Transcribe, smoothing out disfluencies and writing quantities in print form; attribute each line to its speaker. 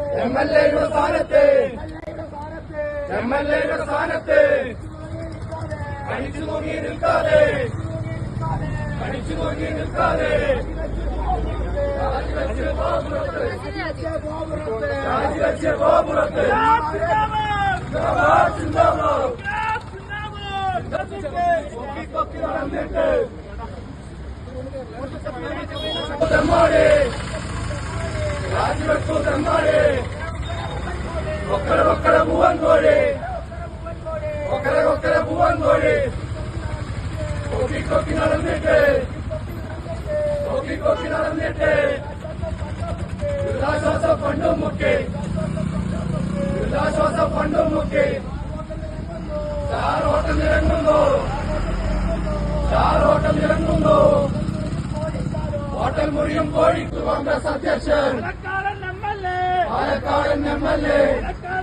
Speaker 1: എംഎൽഎയുടെ സ്ഥാനത്ത് കടിച്ചു നോക്കി നിൽക്കാതെ രാജിവെച്ച് ഗോപുരത്ത് കൊക്കി നടന്നിട്ട് രാജിവെച്ചു തെമ്മാടി ഒക്കര പൂവൻ കോഴി ഒക്കര പൂവൻ കോഴി കൊക്കി നടന്നിട്ട് ദുരിതാശ്വാസ ഫണ്ടും മുക്കി ചാറോട്ടം ഇറങ്ങുന്നു ഹോട്ടൽ മുറിയും കോഴിക്ക് കോൺഗ്രസ് അധ്യക്ഷൻ പാലക്കാടൻ എംഎൽഎ